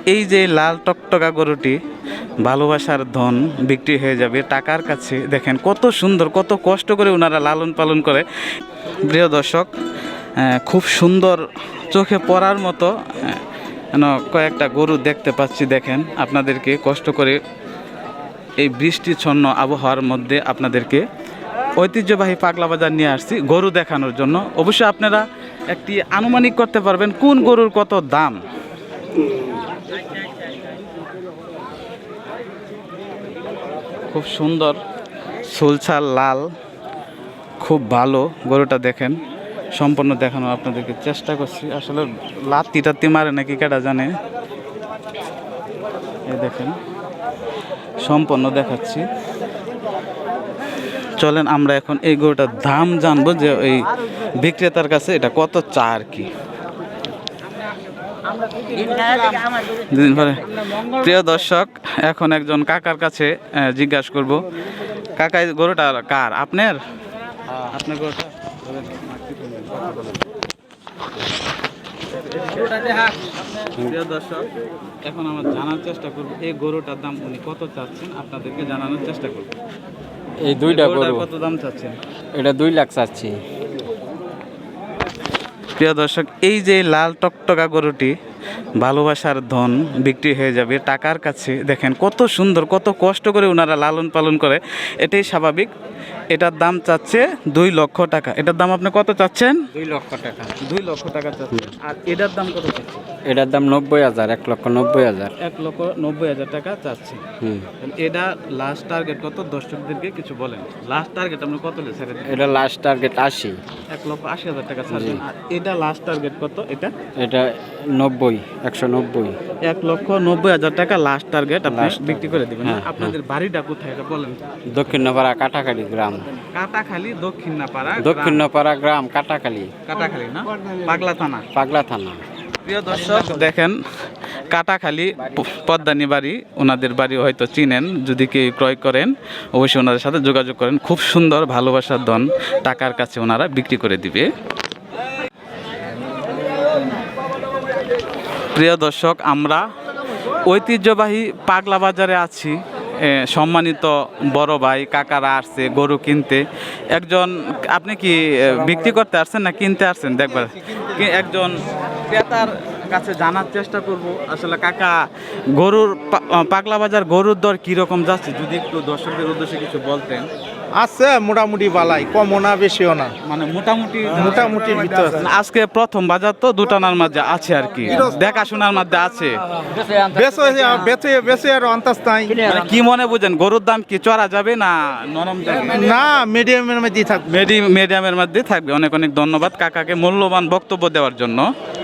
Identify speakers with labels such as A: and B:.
A: এই যে লাল টকটকা গরুটি ভালোবাসার ধন বিক্রি হয়ে যাবে টাকার কাছে। দেখেন কত সুন্দর, কত কষ্ট করে ওনারা লালন পালন করে। প্রিয় দর্শক, খুব সুন্দর, চোখে পড়ার মতো কয়েকটা গরু দেখতে পাচ্ছি। দেখেন আপনাদেরকে কষ্ট করে এই বৃষ্টিচ্ছন্ন আবহাওয়ার মধ্যে আপনাদেরকে ঐতিহ্যবাহী পাগলা বাজার নিয়ে আসছি গরু দেখানোর জন্য। অবশ্যই আপনারা একটি আনুমানিক করতে পারবেন কোন গরুর কত দাম। খুব সুন্দর সুলছাল লাল, খুব ভালো গরুটা। দেখেন সম্পূর্ণ দেখানো আপনাদেরকে চেষ্টা করছি। আসলে লাত্তি টাত্তি মারে নাকি কেটা জানে। এই দেখেন সম্পূর্ণ দেখাচ্ছি। চলেন আমরা এখন এই গরুটার দাম জানবো, যে এই বিক্রেতার কাছে এটা কত চা আর কি। প্রিয় দর্শক, এখন একজন কাকার কাছে জিজ্ঞাসা করব। কাকা, এই গরুটা কার? আপনার? আপনার গরুটা? প্রিয় দর্শক, এখন আমরা জানার চেষ্টা করব এই গরুটার দাম উনি কত চাচ্ছেন, আপনাদেরকে জানানোর চেষ্টা করব।
B: এই দুইটা গরু
A: কত দাম চাচ্ছেন?
B: এটা 2 লাখ চাচ্ছি।
A: প্রিয় দর্শক, এই যে লাল টকটকা গরুটি ভালোবাসার ধন বিক্রি হয়ে যাবে টাকার কাছে। দেখেন কত সুন্দর, কত কষ্ট করে ওনারা লালন পালন করে, এটাই স্বাভাবিক। এটার দাম চাচ্ছে 2 লক্ষ টাকা। এটার দাম আপনি কত চাচ্ছেন?
B: 2 লক্ষ টাকা।
A: 2 লক্ষ টাকা চাচ্ছেন। আর এটার দাম কত চাচ্ছেন?
B: এটার দাম 90,000, 1,90,000।
A: 1,90,000 টাকা চাচ্ছে। এটা লাস্ট টার্গেট কত? দর্শকদেরকে কিছু বলেন। লাস্ট টার্গেট আপনি কত ছেড়ে দেন?
B: এটা লাস্ট টার্গেট 80।
A: 1,80,000 টাকা ছাড়বেন। আর এটা লাস্ট টার্গেট কত?
B: এটা 90, 190।
A: 1,90,000 টাকা লাস্ট টার্গেট আপনি বিক্রি করে দিবেন।
B: হ্যাঁ,
A: আপনাদের বাড়িটা কোথায় এটা বলেন।
B: দক্ষিণপাড়া কাটাখালী গ্রাম।
A: কাটাখালী, দক্ষিণপাড়া
B: দক্ষিণপাড়া গ্রাম, কাটাখালী।
A: কাটাখালী না, পাগলা থানা।
B: পাগলা থানা।
A: প্রিয় দর্শক, দেখেন কাটাখালী পদ্মানি বাড়ি, ওনাদের বাড়ি হয়তো চিনেন। যদি কেউ ক্রয় করেন অবশ্যই ওনাদের সাথে যোগাযোগ করেন। খুব সুন্দর ভালোবাসার ধন টাকার কাছে ওনারা বিক্রি করে দিবে। প্রিয় দর্শক, আমরা ঐতিহ্যবাহী পাগলা বাজারে আছি। সম্মানিত বড় ভাই কাকারা আসছে গরু কিনতে। একজন, আপনি কি বিক্রি করতে আসছেন না কিনতে আসছেন দেখবার? একজন ক্রেতার কাছে জানার চেষ্টা করব আসলে কাকা গরুর পাগলা বাজার গরুর দর কীরকম যাচ্ছে, যদি একটু দর্শকদের উদ্দেশ্যে কিছু বলতেন।
C: আছে মোটামুটি বালাই, কমও না বেশিও না,
A: মানে মোটামুটি
C: ভিতরে আছে।
A: আজকে প্রথম বাজার তো দুটানার মধ্যে আছে আর কি, দেখাশোনার মধ্যে আছে।
C: বেশি আর আন্তাজ নাই।
A: মানে কি মনে বুঝেন, গরুর দাম কি চড়া যাবে না নরম যাবে?
C: না, মিডিয়ামের মধ্যে থাকবে।
A: মিডিয়ামের মধ্যে থাকবে। অনেক অনেক ধন্যবাদ কাকাকে মূল্যবান বক্তব্য দেওয়ার জন্য।